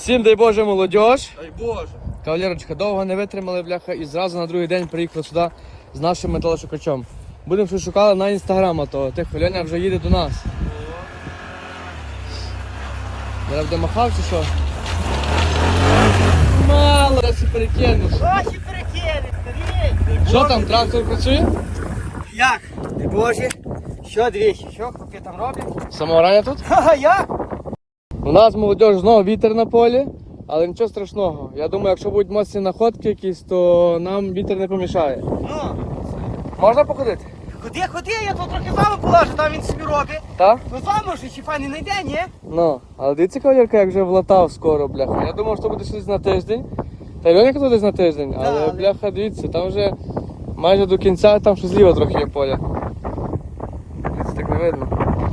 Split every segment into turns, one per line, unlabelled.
Всім дай Боже, молодіж.
Дай Боже.
Кавалерочка, довго не витримали, бляха, і зразу на другий день приїхали сюди з нашим металошукачом. Будемо щось шукали на інстаграма того. Тихо, Льоня вже їде до нас. Зараз буде махав чи що? Мало, раз і перекинеш.
Ось і перекинеш, старій.
Що там, трактор працює?
Як? Дай Боже. Що двічі? Що хлопці там роблять?
Самого рання тут?
Ха-ха, як?
У нас, молодіж, знову вітер на полі, але нічого страшного. Я думаю, якщо будуть моцні находки якісь, то нам вітер не помішає.
Ну,
Можна походити?
ходи, я тут трохи з вами положу, там він собі робить.
Так?
Ну з вами вже ще файний не йде, ні?
Ну, але дивіться, кавалерка, як вже влатав скоро, бляха. Я думав, що буде щось на тиждень. Та й Льоня казав десь на тиждень, але,
але-
бляха, дивіться, там вже майже до кінця, там ще зліва трохи є поля. Дивіться, так не видно.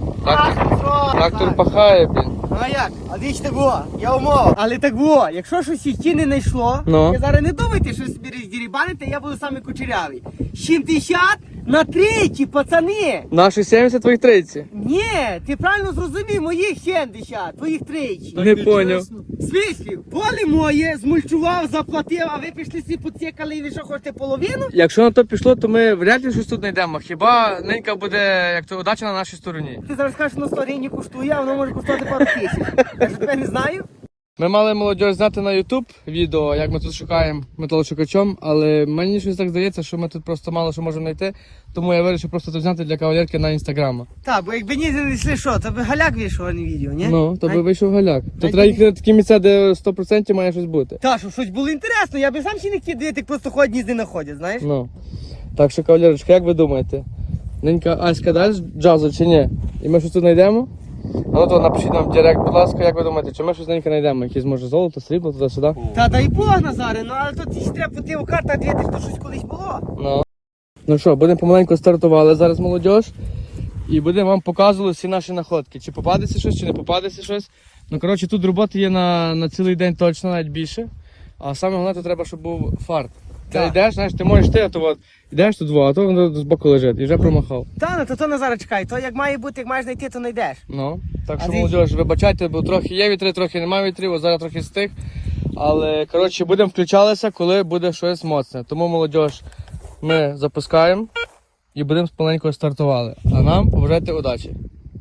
Трактор пахає, блін.
Ну а як? А дивіться так було, я умов. Але так було, якщо щось іще не знайшло,
Ну.
я зараз не думайте, що собі роздірібаните, я буду саме кучерявий. 70 на тричі, пацани!
Наші 70, твоїх 30.
Ні, ти правильно зрозумів, моїх 70, твоїх тричі.
Не поняв.
Свислів, поле моє, змульчував, заплатив, а ви пішли всі поцікали і ви що хочете половину?
Якщо на то пішло, то ми вряд ли щось тут знайдемо. Хіба ненька буде, як то, удача на нашій стороні.
Ти зараз кажеш, на 100 гривень коштує, а воно може коштувати пару тисяч. Я ж тебе не знаю.
Ми мали молодь зняти на YouTube відео, як ми тут шукаємо металошукачом, але мені щось так здається, що ми тут просто мало що можемо знайти, тому я вирішив просто це зняти для кавалерки на інстаграма.
Так, бо якби ні знайшли що, то би галяк вийшов, а не відео, ні?
Ну, то би вийшов галяк. То
Най-
треба їхати на такі місця, де 100% має щось бути.
Та, щоб щось було інтересно, я би сам ще не хотів дивити, як просто ходять ні з не находять, знаєш?
Ну. Так що, кавалерочка, як ви думаєте? Ненька Аська дасть джазу чи ні? І ми щось тут знайдемо? А ну то напишіть нам в директ, будь ласка, як ви думаєте, чи ми щось ненька знайдемо? Якісь може золото, срібло, туди-сюди?
Та дай Бог, Назаре, ну але тут ще треба по тих картах дивитися, що щось колись було.
Ну. Ну що, будемо помаленьку стартували зараз молодіж. І будемо вам показувати всі наші находки. Чи попадеться щось, чи не попадеться щось. Ну, коротше, тут роботи є на цілий день точно, навіть більше. А саме головне, то треба, щоб був фарт. Ти
Так.
йдеш, знаєш, ти можеш ти, а то от, йдеш тут, а то воно з боку лежить і вже промахав.
Та, ну то Назаре, чекай, то як має бути, як маєш знайти, то знайдеш.
Ну, так
А
що,
ти-
молодіж, вибачайте, бо трохи є вітри, трохи немає вітрів, ось зараз трохи стих. Але, коротше, будемо включалися, коли буде щось моцне. Тому, молодіж, ми запускаємо і будемо помаленьку стартували. А нам побажайте удачі.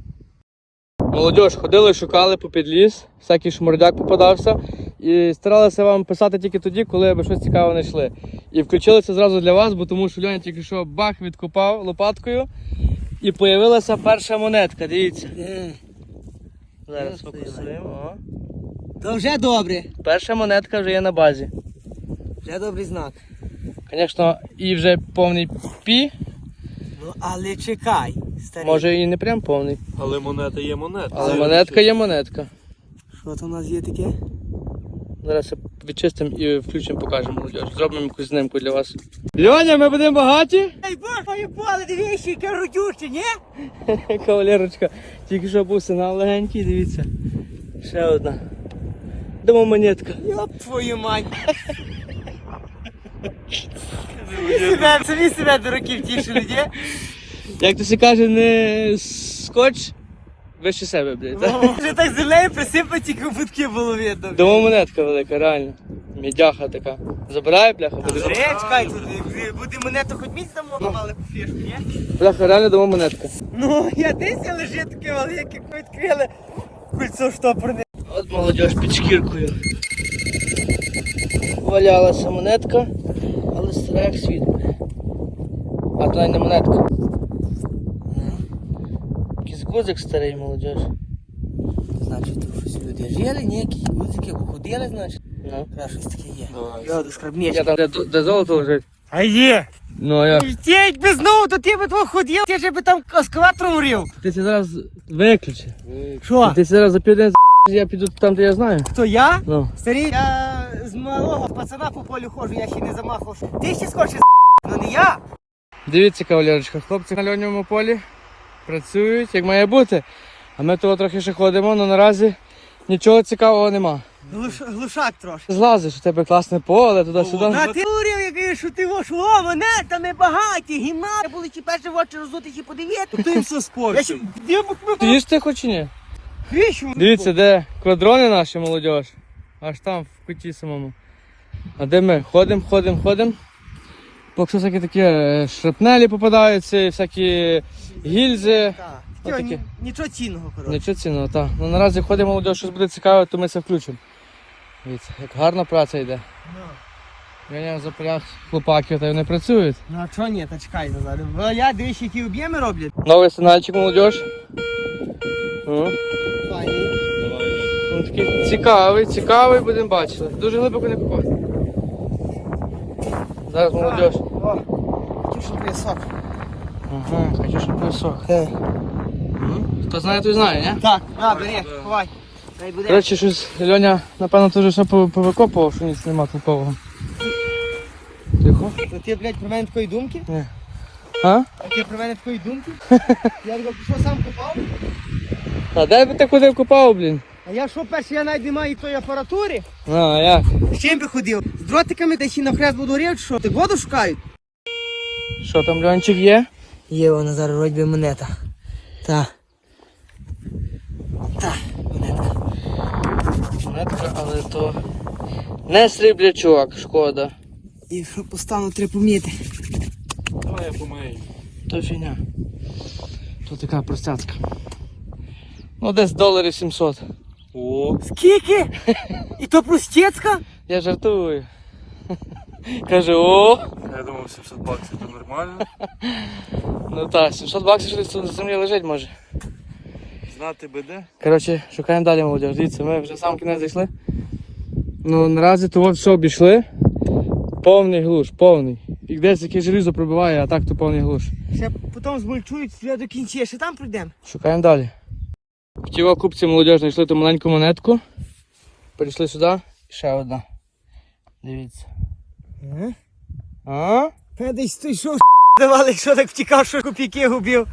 Молодіж, ходили, шукали попід ліс, всякий шмурдяк попадався. І старалися вам писати тільки тоді, коли ви щось цікаве знайшли. І включилися зразу для вас, бо тому що Льоня тільки що бах відкопав лопаткою. І появилася перша монетка, дивіться. Зараз фокусуємо. О.
То вже добре.
Перша монетка вже є на базі.
Вже добрий знак.
Звісно, і вже повний пі,
Ну, але чекай, старий.
може і не прям повний.
Але монета є монета.
Але монетка є монетка.
Що то у нас є таке?
Зараз відчистимо і включимо, покажемо молодіж. Зробимо якусь знимку для вас. Льоня, ми будемо багаті?
Ей, Бог, моє поле, дивіться, яке родюче, ні?
Кавалерочка, тільки що був сигнал легенький, дивіться. Ще одна. Дома монетка.
Йоп твою мать. Самі себе дураків тішили, ні?
Як то се каже, не скотч, вище себе, блядь. так?
Вже так землею присипать, тільки кубутки було видно.
Дома монетка велика, реально. Мідяха така. Забирає, бляха, буде.
Чекай, тут буде монета хоч місць там мали по фішку, ні?
Бляха, реально дома монетка.
Ну, я десь лежить таке велике, відкрили кольцо штопорне.
От молодіж під шкіркою. Валялася монетка, але стара як світ. А то й не монетка. Якийсь гузик старий, молодіж.
Значить, тут щось люди жили, ніякі гудзики походили, значить.
Ну.
Треба щось таке є.
Давай.
Я до скарбнички.
Я там, де золото лежить.
А є!
Ну, а я.
Ти якби знову, то ти би твого ходив, ти ж би там ескаватором урів.
Ти це зараз виключи.
Що?
Ти це зараз за південь я піду там, де я знаю.
Хто я?
Ну.
Старий, я з малого пацана по полю ходжу, я ще не замахав. Ти ще скорше ну не я.
Дивіться, кавалерочка, хлопці на льонному полі працюють, як має бути. А ми того трохи ще ходимо, але наразі нічого цікавого нема.
Глушак трошки.
Злазиш, у тебе класне поле, туди-сюди.
А ти урів, який що ти вош, о, монетами багаті, гімна. Були чи перші в очі розути, чи подивити.
Ти все
Я
спорчив.
ще, я б
Ти їш ти хоч чи ні?
Грішу.
Дивіться, де квадрони наші, молодіж. аж там в куті самому. А де ми? Ходимо. Поки що всякі такі шрапнелі попадаються, і всякі гільзи.
Так.
Отакі.
Нічого цінного, коротше.
Нічого цінного, так. Ну наразі ходимо, молодь, щось буде цікаве, то ми це включимо. Дивіться, як гарна праця йде. Я запряг хлопаків, та й вони працюють.
Ну а чого ні, та чекай назад. Я дивись, які об'єми роблять.
Новий сигнальчик, молодь. Ну,
Файний.
він такий цікавий, будемо бачити. Дуже глибоко не копати. Зараз молодь.
О, Катюшин поясок.
Ага, Катюшин поясок.
Так.
Хто знає, той знає, ні?
Так, бери, ховай. Хай буде.
Коротше, щось Льоня, напевно, теж все повикопував, що ніч нема толкового. Тихо.
То ти, блядь, про мене такої думки?
Ні. А?
А ти про мене такої думки? Я його пішов сам копав.
А де би ти ходив копав, блін?
А я що, перше, я навіть не маю тої апаратури.
А як?
З чим би ходив? З дротиками десь і на хрест буду горів, чи що? Ти воду шукають?
Що там, Льончик, є?
Є вона зараз вроді би монета. Та. Монетка.
Монетка, але то не сріблячок, шкода.
І що постану, треба поміти.
Давай я помию. То фігня. То така простяцька. Ну десь $700. О.
Скільки? І то простецька?
Я жартую. Каже, о.
Я думав, 700 баксів це нормально.
Ну так, $700 що десь тут на землі лежить може.
Знати би де.
Коротше, шукаємо далі, молодь. Дивіться, ми вже сам кінець зайшли. Ну наразі то все обійшли. Повний глуш, повний. І десь яке желізо пробиває, а так то повний глуш.
Ще потім змульчують вже до кінця, ще там прийдемо.
Шукаємо далі. В тій купці молодь знайшли ту маленьку монетку. Перейшли сюди. І ще одна. Дивіться. А?
Десь той що давали, що так втікав, що копійки губив.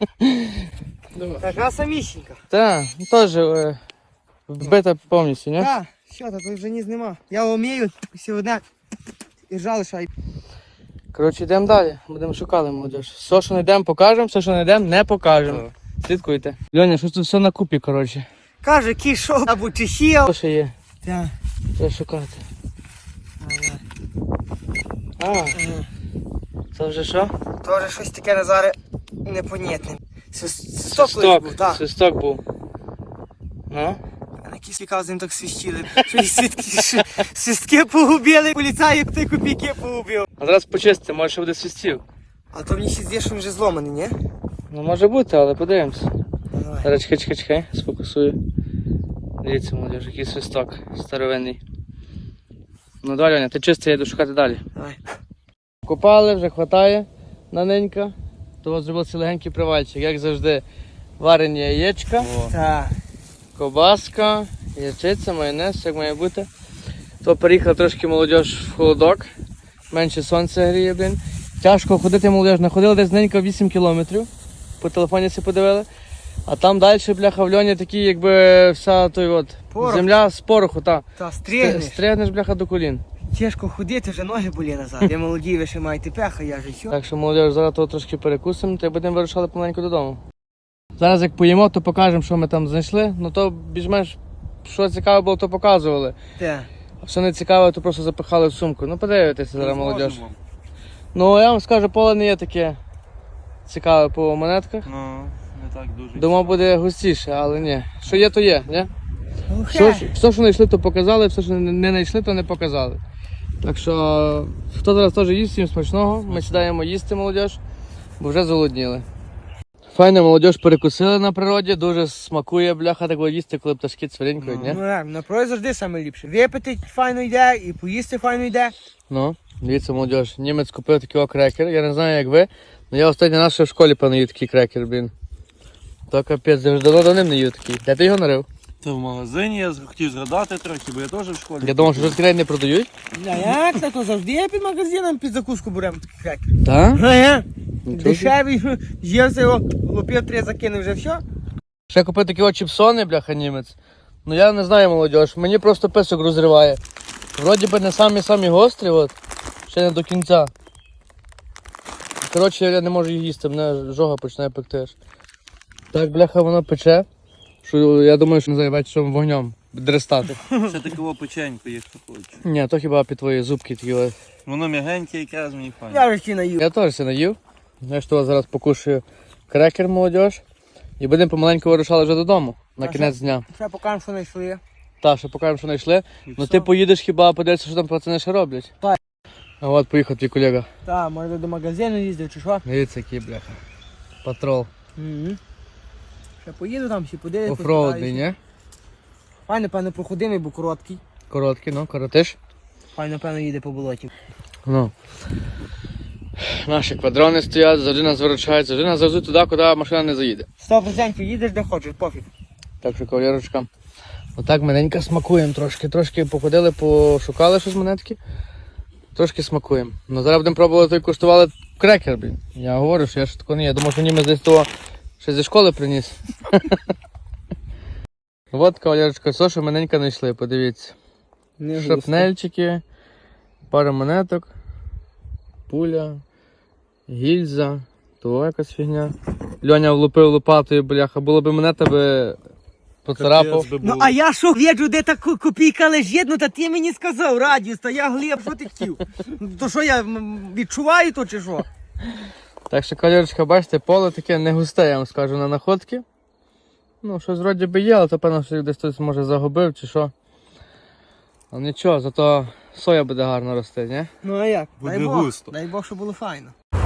Така самісінька.
Так, теж вбита повністю, ні?
Так, що то, тут вже ніс нема. Я вмію, сьогодні і жалишай.
Коротше, йдемо далі. Будемо шукати, молодь. Все, що знайдемо, покажемо, все, що знайдемо, не покажемо. Слідкуйте. Льоня, щось тут все на купі, коротше.
Каже, кішов або чехів.
Що ще є?
Так.
Треба шукати. А, це вже що?
Тоже щось таке Назаре непонятне. Свисток колись був, так.
Свисток був. Ну?
На кислікав з ним так свищили. Щось свистки погубили, поліцаї як ти копійки погубив.
А зараз почистити, може ще буде свистів.
А то мені ще здається, що він вже зломаний, ні?
Ну може бути, але подивимось.
Давай.
Зараз чекай, сфокусую. Дивіться, молодіж, який свисток старовинний. Ну давай, Льоня, ти чистий, я йду шукати далі.
Давай.
Купали, вже хватає наненька. То зробив цей легенький привальчик, як завжди. Варені яєчка,
Так.
ковбаска, ячиця, майонез, як має бути. То переїхав трошки молодіж в холодок. Менше сонця гріє, блін. Тяжко ходити, молодіж. Находили десь ненько 8 кілометрів. По телефоні все подивили. А там далі, бляха, в льоні такі, якби вся той от
Порох.
земля з пороху, та.
Та стригнеш.
Стригнеш, бляха, до колін.
Тяжко ходити, вже ноги болі назад. Я молоді, ви ще маєте пеха, я же що.
Так що, молодіж, зараз того трошки перекусимо, та й будемо вирушати помаленьку додому. Зараз як поїмо, то покажемо, що ми там знайшли. Ну то більш-менш, що цікаве було, то показували.
Так.
А що не цікаве, то просто запихали в сумку. Ну подивитися зараз, молодіж. Ну я вам скажу, поле не є таке цікаве по монетках.
Ну, не так дуже.
Думав, буде густіше, але ні. Що є, то є, ні?
Глухе.
Все, що знайшли, то показали, все, що не знайшли, то не показали. Так що, хто зараз теж їсть, всім смачного. Ми сідаємо їсти, молодіж, бо вже зголодніли. Файно, молодіж, перекусили на природі, дуже смакує, бляха, так їсти, коли пташки цвірінькають, ні?
Ну так, на прой завжди саме ліпше. Випити файно йде і поїсти файно йде.
Ну, дивіться, молодіж, німець купив такий крекер, я не знаю, як ви, але я останній раз ще в школі певно їв такий крекер, блін. То капець, я вже давно ним не їв такий. Де ти його нарив?
Це в магазині, я хотів згадати трохи, бо я теж в школі.
Я думав, що вже не продають.
А як так? То завжди є під магазином, під закуску беремо такий крекер.
Так?
А я?
Нічого собі.
Дешевий, з'ївся його, лупив 3 закинув, вже все.
Ще купив такі чіпсони, бляха, німець. Ну я не знаю, молодіж, мені просто писок розриває. Вроді би не самі гострі, от, ще не до кінця. Коротше, я не можу їх їсти, мене жога починає пекти аж. Так, бляха, воно пече, що я думаю, що не знаю, що вогнем. дрестати.
Ще такого печеньку, як ти хочеш.
Ні, то хіба під твої зубки такі. Ось.
Воно м'ягеньке, якраз мені файне.
Я вже ще наїв.
Я теж все наїв. Знаєш, що зараз покушаю крекер, молодіж. І будемо помаленьку вирушали вже додому на
А
кінець дня.
Ще покажемо, що знайшли.
Та, ще покажемо, що знайшли.
І
Ну
все.
ти поїдеш хіба подивитися, що там пацани ще роблять.
Так.
А от поїхав твій колега.
Так, може до магазину їздив чи що?
Дивіться, який бляха. Патрол.
Угу. Ще поїду там, ще подивлюсь.
Офроудний, ні?
Хай, напевно, проходимий, бо короткий.
Короткий, ну, коротиш.
Хай, напевно, їде по болоті.
Ну. Наші квадрони стоять, завжди нас виручають, завжди нас завезуть туди, куди машина не заїде.
100% їдеш де хочеш, пофіг.
Так що, кавалерочка, отак маленько смакуємо трошки. Трошки походили, пошукали щось монетки. Трошки смакуємо. Ну зараз будемо пробувати, куштували крекер, блін. Я говорю, що я ж такого не є. Я думав, що німець десь того ще зі школи приніс. От, кавалерочка, все, що маленько знайшли, подивіться.
Не
Шрапнельчики, пара монеток, пуля, гільза, то якась фігня. Льоня влупив лопатою, бляха, було б монета би поцарапав.
Капець би
Ну,
був.
а я що, віджу, де та копійка лежить, ну, та ти мені сказав, радіус, та я Глеб, що ти хотів? То що, я відчуваю то чи що?
Так що, кавалерочка, бачите, поле таке не густе, я вам скажу, на находки. Ну, щось вроді би є, але то певно, що їх десь хтось може загубив чи що. Але нічого, зато соя буде гарно рости, ні?
Ну, а як?
Буде
дай Бог,
густо.
дай Бог, що було файно.